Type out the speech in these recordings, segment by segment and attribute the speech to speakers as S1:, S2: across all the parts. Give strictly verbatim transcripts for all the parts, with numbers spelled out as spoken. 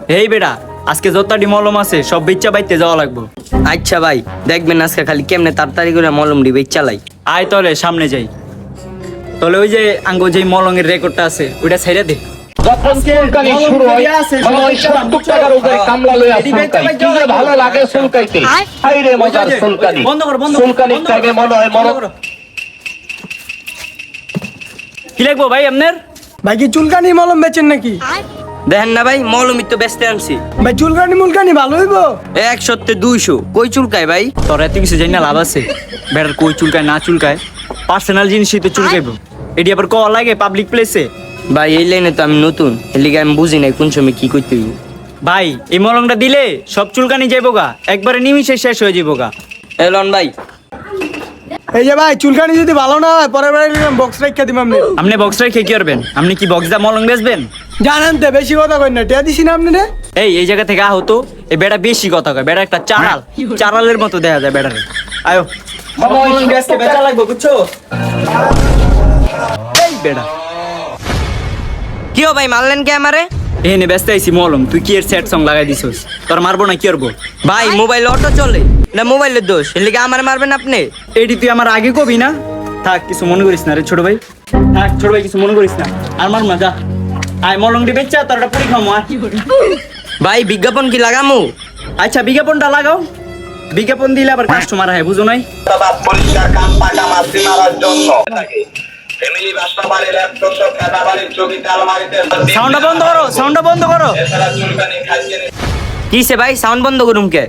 S1: এই বেটা আজকে যতটি মলম আছে সব বেচ্চা বাইতে যাওয়া লাগবো।
S2: আচ্ছা ভাই দেখবেন আজকে খালি কেমনে তাড়াতাড়ি করে মলম ডিবে চালাই।
S1: আয় তলে সামনে যাই। তলে ওই যে আঙ্গো যে মলঙের রেকর্ডটা আছে ওইটা ছেড়ে দে।
S3: যখন চুলকানি শুরু হয় মানে ওই সত্তর টাকার উপরে কামলা লইয়া চুলকাই কি যে ভালো লাগে চুলকাইতে। হাই রে মজার চুলকানি,
S1: বন্ধ কর, বন্ধ কর,
S3: চুলকানি
S1: বন্ধ কর।
S3: থেকে মনে হয় মরণ।
S1: কি লাগবো ভাই আপনার?
S4: ভাই কি চুলকানি মলম বেচেন নাকি?
S2: দেখেন না ভাই মলমই তো বেচতে আনছি।
S4: ভাই চুলকানি মুলকানি ভালো হইবো?
S2: এক সত্যি দুইশো কই চুলকায় ভাই?
S1: তোর এত কিছু জানি না লাভ আছে? বেটার কই চুলকায় না চুলকায় পার্সোনাল জিনিসই তো চুলকাইবো। এটি আবার কল লাগে পাবলিক প্লেসে।
S2: ভাই এই লাইনে তো আমি নতুন, এর লিগে আমি বুঝি নাই কোন সময় কি করতে হইব।
S1: ভাই এই মলমটা দিলে সব চুলকানি যাইবো গা, একবারে নিমিশে শেষ হয়ে যাবো গা।
S2: এলন ভাই
S4: এই যে ভাই চুলকানি যদি ভালো না হয় পরের বার বক্স রাখা দিম আপনি।
S1: আপনি বক্স রেখে কি করবেন? আপনি কি বক্স দা মলম বেচবেন?
S4: জানেন তো বেশি কথা কই না, টিয়া দিছি না আপনি রে।
S1: এই এই জায়গা থেকে আহতো এই বেটা বেশি কথা কয়, বেটা একটা চারাল চারালের মতো দেখা যায় বেটারে। আয়ো আজকে বেচা লাগবে বুঝছো? এই বেটা
S2: কি ও ভাই মারলেন কে আমারে?
S1: এনে ব্যস্ত আইছি মলম, তুই কি এর সেট সং লাগাই দিছস? তোর মারবো না কি করবো?
S2: ভাই মোবাইল অটো চলে না, মোবাইলের দোষ, এর লিগে আমারে মারবেন আপনি?
S1: এটি তুই আমার আগে কবি না। থাক কিছু মনে করিস না রে ছোট ভাই, থাক ছোট ভাই কিছু মনে করিস না। আর মার না যা, আয় মলমটি বেচা তোর একটা পুরি খামো। আর
S2: ভাই বিজ্ঞাপন কি লাগামু?
S1: আচ্ছা বিজ্ঞাপনটা লাগাও, বিজ্ঞাপন দিলে আবার কাস্টমার হয় বুঝো নাই।
S5: বা পরিষ্কার কাম পাকা মাছি মারার জন্য ফ্যামিলি বাসা বাড়ি ল্যাপটপ খাতা বাড়ির চকিতে আলমারিতে
S1: সাউন্ডটা বন্ধ করো, সাউন্ডটা বন্ধ করো।
S5: এছাড়া চুলকানি খাইছে
S2: কিসে ভাই সাউন্ড বন্ধ করুম কে?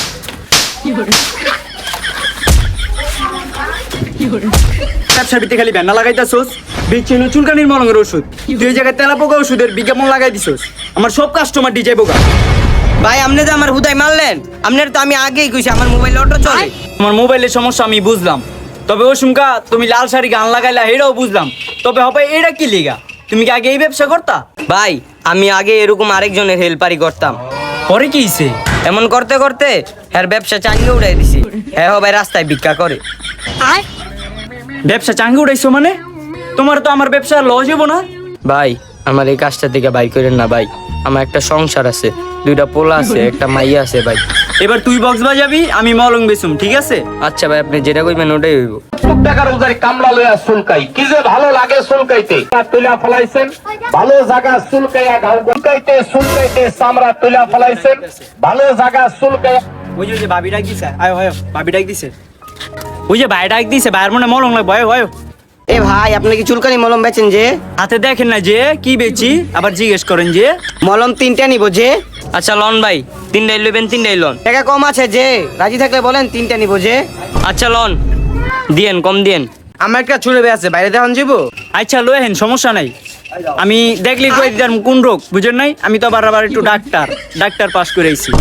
S1: ব্যবসার ভিত্তি খালি ব্যানা লাগাইতাছোস, বেচিনো চুলকানির মলমের ওষুধ, তুই এই জায়গায় তেলা পোকা ওষুধের বিজ্ঞাপন লাগাই দিছস। আমার সব কাস্টমার ডিজে বোকা।
S2: ভাই আপনি তো আমার হুদাই মারলেন, আপনার তো আমি আগেই কইছি আমার মোবাইল অটো চলে।
S1: আমার মোবাইলের সমস্যা আমি বুঝলাম, তবে ও সুমকা তুমি লাল শাড়ি গান লাগাইলা এটাও বুঝলাম, তবে হবে এটা কি লিগা? তুমি কি আগে এই ব্যবসা করতা?
S2: ভাই আমি আগে এরকম আরেকজনের হেল্পারি করতাম,
S1: পরে কি হইছে?
S2: এমন করতে করতে হ্যার ব্যবসা চাঙ্গে উড়াই দিছি। হ্যাঁ ভাই রাস্তায় ভিক্ষা করে।
S1: ব্যবসা চাঙ্গে উঠাইছো মানে? তোমার তো আমার ব্যবসা লস হইব না?
S2: ভাই আমার এই কাজটা থেকে বাই করেন না ভাই, আমার একটা সংসার আছে, দুইটা পোলা আছে, একটা মাইয়া আছে ভাই।
S1: এবার তুই বক্স বাজাবি, আমি মলং বেচুম, ঠিক আছে?
S2: আচ্ছা ভাই আপনি যেটা কইবেন ওটাই হইব।
S3: সত্তর টাকার উপরে কামলা লইয়া চুলকাই কি যে ভালো লাগে চুলকাইতে। তুলা ফলাইছেন ভালো জায়গা চুলকাইয়া ঘাও চুলকাইতে চুলকাইতে চামড়া তুলা ফলাইছেন ভালো জায়গা চুলকাই।
S1: ওই যে ওই যে ভাবি ডাক দিছে, আয় হয় ভাবি ডাক দিছে, ওই যে ভাই ডাক দিছে, ভাইয়ের মনে মলং লাগবে। আয় হয়
S2: এ ভাই আপনি কি চুলকানি মলম বেচেন যে?
S1: হাতে দেখেন না যে কি বেচি, আবার জিজ্ঞেস করেন যে।
S2: মলম তিনটা নিব যে? আচ্ছা লন ভাই তিনটাই লইবেন, তিনটাই লন। টাকা কম আছে যে, রাজি থাকলে বলেন তিনটা নিব যে। আচ্ছা লন দিয়েন, কম দিয়েন। আমার একটা ছুড়ে আছে বাইরে দেখুন যাবো।
S1: আচ্ছা লয়ে হেন সমস্যা নাই, আমি দেখলি কই দিদার কোন রোগ বুঝেন নাই। আমি তো আবার আবার একটু ডাক্তার ডাক্তার পাস করে আইছি।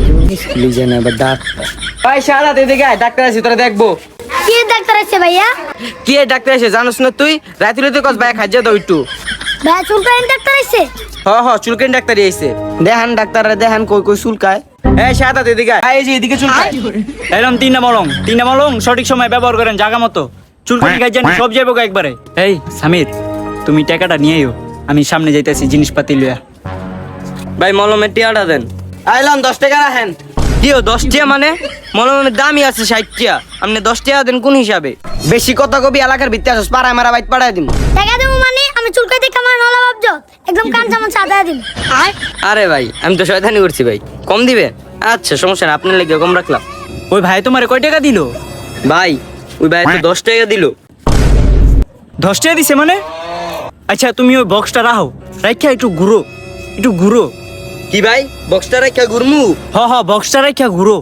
S2: ভাই সারা এদিকে আয়, ডাক্তার আছে তোরা দেখবো।
S6: কি ডাক্তার আছে ভাইয়া?
S2: কি এ ডাক্তার আছে জানোস না তুই? রাতে রাতে কস ভাই খাইজা দাও একটু।
S6: ভাইয়া চুলকানি ডাক্তার আছে?
S2: হ হ চুলকানি ডাক্তারই আইছে। দেখান ডাক্তাররা দেখান কই কই চুলকায়। এই সাদা এদিকে আয়, এই যে এদিকে চুলকায়।
S1: এরকম তিনটা মলং, তিনটা মলং সঠিক সময় ব্যবহার করেন জায়গা মতো, চুলকানি খাই জানি সব যাইব একবারে। এই সামির তুমি টাকাটা নিয়ে আইও, আমি সামনে যাইতেছি জিনিসপাতি লইয়া।
S2: ভাই মলমের টিয়াটা দেন। আইলাম দশ টাকা রাখেন। কিও দশ টাকা মানে? মলমের দামই আছে ষাট টাকা, আপনি দশ টাকা দেন কোন হিসাবে? বেশি কথা কবি এলাকার ভিত্তি আসস, পাড়ায় মারা বাইত পাঠায় দিন।
S6: টাকা দেবো মানে আমি চুলকাই দেখে আমার নলা ভাবছো একদম কান চামচ আদায় দিন।
S2: আরে ভাই আমি তো শয়তানি করছি ভাই, কম দিবে? আচ্ছা সমস্যা না, আপনার লেগে কম রাখলাম।
S1: ওই ভাই তোমারে কয় টাকা দিল?
S2: ভাই ওই ভাই তো দশ টাকা দিল।
S1: দশ টাকা দিছে মানে? আচ্ছা তুমি ওই বক্সটা রাখো, রাখা একটু ঘুরো, একটু ঘুরো।
S2: কি ভাই বক্সটা রাখা ঘুরমু?
S1: হ হ বক্সটা রাখা ঘুরো।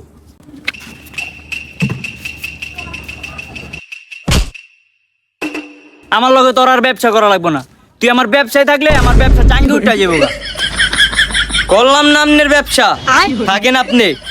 S1: আমার লগে তোর আর ব্যবসা করা লাগবে না, তুই আমার ব্যবসায় থাকলে আমার ব্যবসা চাঙ্গে উঠা যাবো।
S2: করলাম না আপনার ব্যবসা, থাকেন আপনি।